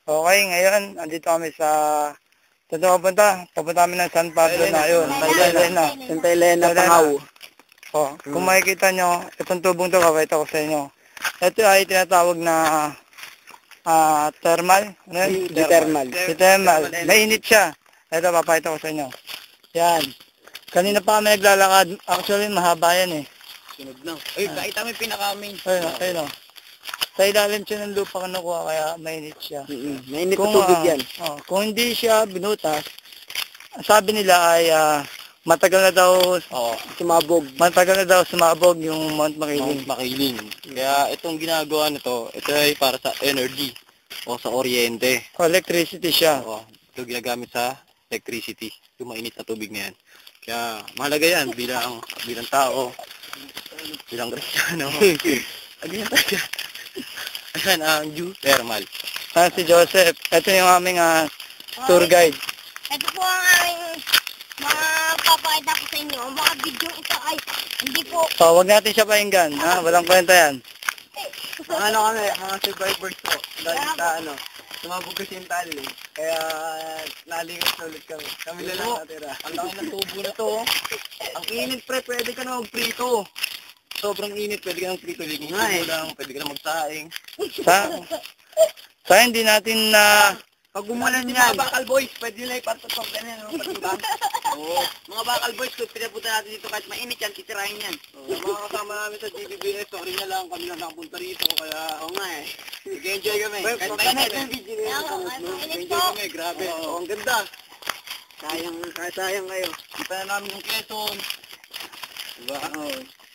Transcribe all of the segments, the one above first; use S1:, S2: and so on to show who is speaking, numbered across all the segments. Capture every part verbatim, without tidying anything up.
S1: Okay, ngayon, andito kami sa... Saan ito papunta? Papunta kami ng San Pablo na yun. Santa Elena.
S2: Santa Elena, Pangaw.
S1: O, kung makikita nyo, itong tubong ito, kapita ko sa inyo. Ito ay tinatawag na uh, thermal. Ano yun?
S2: Thermal.
S1: Thermal. Mainit siya. Ito, papakita ko sa inyo. Yan. Kanina pa kami naglalakad. Actually, mahaba yan eh.
S2: Sunog na. Ay, kahit kami pinaka-main.
S1: Ayun, ayun o. Sa ilalim siya ng lupa ka nakuha, kaya mainit siya.
S2: Mm-hmm. Mainit
S1: kung,
S2: na tubig
S1: uh,
S2: yan.
S1: Oh, kung hindi siya binutas, sabi nila ay uh, matagal na daw
S2: oh, sumabog.
S1: Matagal na daw sumabog yung Mount Makiling.
S2: Mount Makiling. Kaya itong ginagawa nito, ito ay para sa energy o sa kuryente.
S1: O, electricity siya.
S2: Oo, ito ginagamit sa electricity. Yung mainit na tubig na yan. Kaya mahalaga yan bilang bilang tao, bilang Kristiyano. Agyan tayo. Ayan ang geothermal.
S1: Ah, si Joseph. Ito yung aming uh, tour guide.
S3: Ito po ang aming mapapakita ko sa inyo. Mga video ito ay hindi po...
S1: So, huwag natin siya painggan. Ha? Walang kwenta yan.
S2: Mga ano kami, mga survivors po. Dahil sa ano, sumabog kasi yung tali. Kaya nalingat ulit kami. Kami lang lang natira. Ang laki ng tubo na to. Ang init pre, pwede ka na mag-prito. Sobrang init, pwede ka ng prito. Liging nga eh. Lang, pwede ka na magsaing.
S1: Sa, sa hindi natin na... Uh,
S2: Pag umulan yan, mga bakal boys, pwede nila ipatusok ganyan, no? Patibang. Oo. Mga bakal boys, kung pinapunta natin dito kahit mainit yan, titirahin yan. Oo. Mga kasama namin sa G B B S, sorry na lang, kami lang nakapunta rito, kaya oo nga eh. Nag-enjoy kami. Kahit mainit yung video na yun. Nag-enjoy kami, grabe. Oo, ang ganda. Sayang, sayang kayo. Kita na namin yung Quezon. Diba? Oo.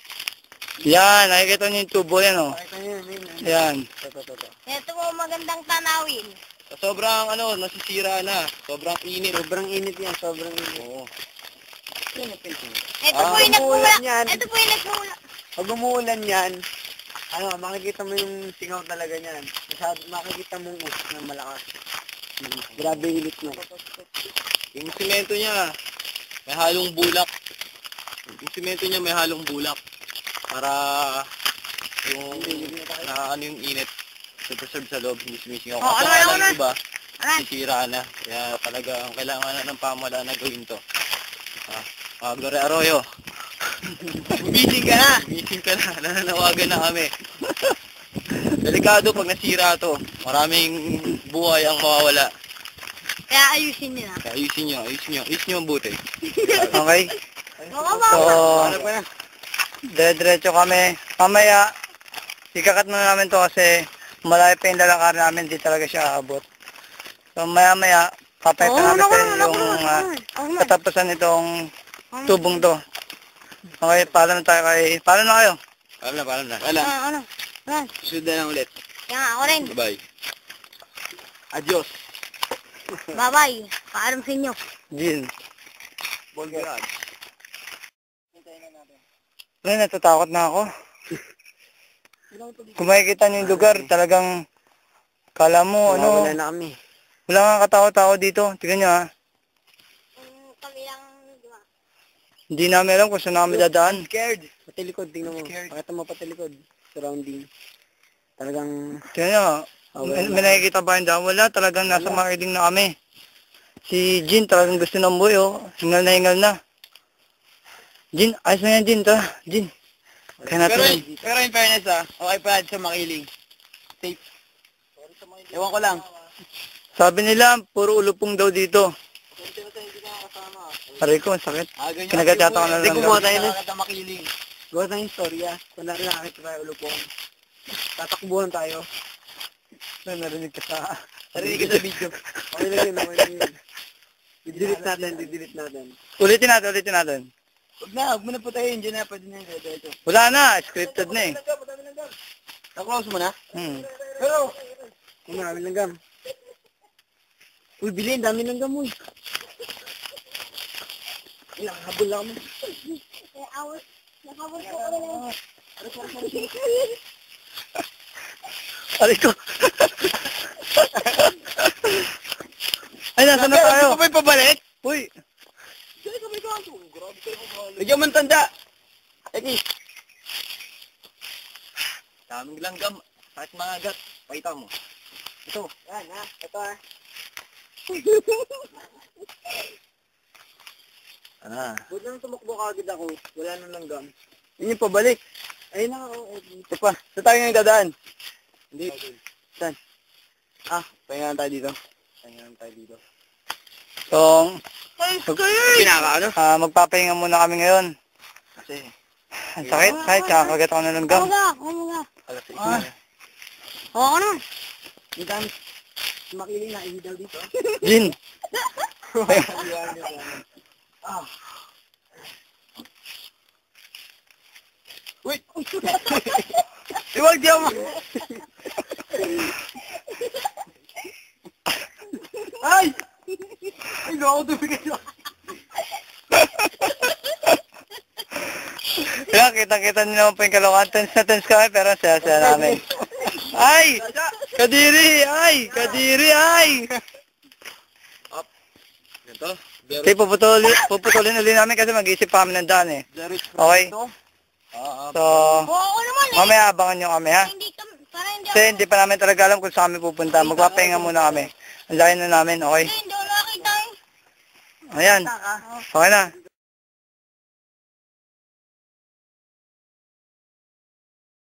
S1: Yan, nakikita niyo yung tubo yan, o.
S2: Nakikita niyo yun, yun.
S1: Yan.
S3: Ito po magandang tanawin.
S2: Sobrang ano, nasisira na. Sobrang init.
S1: Sobrang init yan, sobrang init.
S2: Oo.
S3: Ito po yung nagmula. Ito po yung nagmula.
S2: Pag umuulan yan, ano, makikita mo yung singaw talaga niyan. Makikita mo yung us na malakas. Grabe init na. Yung simento niya, may halong bulak. Yung simento niya may halong bulak. Para yung na ano yung init. Super-serve sa loob, hindi sumisingaw.
S3: Oh, ano,
S2: ano,
S3: ano,
S2: iba,
S3: ano?
S2: sisira na. Kaya talaga, ang kailangan na ng pamahalaan na gawin to. Ah, ah Gloria Arroyo. Gumising ka na! Gumising ka na. Nananawagan na kami. Delikado pag nasira to. Maraming buhay ang mawawala.
S3: Kaya ayusin nyo na.
S2: Kaya ayusin nyo, ayusin nyo. Ayusin nyo ang buti.
S1: Okay? So, dire-diretso kami. Mamaya, ikakat na namin to kasi malayo pa yung lalakar namin, di talaga siya aabot. So maya-maya, papayta
S3: oh,
S1: namin
S3: no,
S1: sa
S3: no,
S1: yung
S3: no,
S1: uh,
S3: no.
S1: katapusan itong tubong to. Okay, paalam na tayo kay... Paalam na kayo.
S2: Paalam na, paalam na. Paalam.
S3: Ah, ano? Ano?
S2: Susunod na lang ulit.
S3: Kaya ako rin.
S2: Bye-bye. Adios.
S3: Bye-bye. Paalam sa inyo.
S1: Jin.
S2: Bon God.
S1: Ay, natatakot na ako. Kung makikita niyo yung lugar, talagang kala mo, ano,
S2: Wala na kami.
S1: wala nga katakot-takot dito. Tignan nyo ha.
S3: Um, kami lang, di ba?
S1: Hindi namin alam kung saan namin dadaan.
S2: Scared. Patilikod, tingnan mo. Pakita mo patilikod. Surrounding. Talagang...
S1: Tignan nyo, may, may nakikita ba yung daan? Wala, talagang nasa makiling na kami. Si Jin talagang gusto ng buhay, oh. Hingal na hingal na. Jin, ayos na yan, Jin. Tara, Jin. Kaya natin.
S2: Pero, pero in fairness ah, okay pa sa makiling. Safe. Ewan ko lang.
S1: Sabi nila, puro ulupong daw dito. Aray ko, ang sakit.
S2: Ah, ganyan.
S1: Kinagat yata ko na
S2: Hindi,
S1: lang.
S2: kumuha tayo na sa makiling. Gawa tayong istorya. Kung natin nakakita tayo ulupong. Tatakbuhan tayo.
S1: Na, narinig ka sa...
S2: Narinig ka sa video. Okay lang yun, okay lang yun. Didelete natin, didelete natin.
S1: Ulitin natin, ulitin natin.
S2: Huwag na, huwag mo na po tayo. Diyan na, pwede na yun. Dito.
S1: Wala na, scripted na eh.
S2: Na-close mo na?
S1: Hmm.
S2: Pero, kung marami ng gam. Uy, bilhin, dami ng gam, uy. Ilang habol lang kami.
S3: Eh, awas. Nakabot po kami lang.
S1: Aray ko. Ay, nasa na tayo?
S2: Ano pa ba pabalik?
S1: Uy.
S2: Bigyan mo ng tanda. Eki. Daming langgam. Kahit mga agat. Pakita mo. Ito. Yan, ha? Ito, ha?
S1: Ah.
S2: Buti nang tumakbo ka agad ako. Wala nang langgam.
S1: Yun yung pabalik.
S2: Ayun na, oo.
S1: Ito pa. Ito tayo ngayon dadaan.
S2: Hindi.
S1: Saan?
S2: Ah, pahingaan tayo dito. Pahingaan tayo dito.
S1: So,
S2: Pinaka, ano?
S1: ah, magpapahinga muna kami ngayon.
S2: Kasi,
S1: Ang sakit, kahit kakagat ako ng langgam.
S3: Ano ka? Ano ka?
S2: alas sais
S1: Ah.
S2: na.
S3: Oo na.
S2: Yung dami, makiling na, ihi daw dito.
S1: Jin,
S2: Ah. Wait!
S1: iwag di ako.
S2: Ay! Ay, no, ako tubig ito.
S1: Kaya kita-kita niyo naman po yung kalokohan. Tense na tense kami, pero ang saya-saya namin. Ay! Kadiri! Ay! Kadiri! Ay!
S2: Ganito?
S1: Okay, puputulin, puputulin ulit namin kasi mag-isip pa kami ng daan eh. Okay.
S2: Ah,
S1: So,
S3: Oo naman eh.
S1: mamaya abangan nyo kami ha.
S3: Hindi ka, para hindi
S1: Kasi hindi pa namin talaga alam kung saan kami pupunta. Magpapahinga muna kami. Ang laki na namin, okay?
S3: Hindi, hindi ako nakakita eh.
S1: Ayan. Okay na.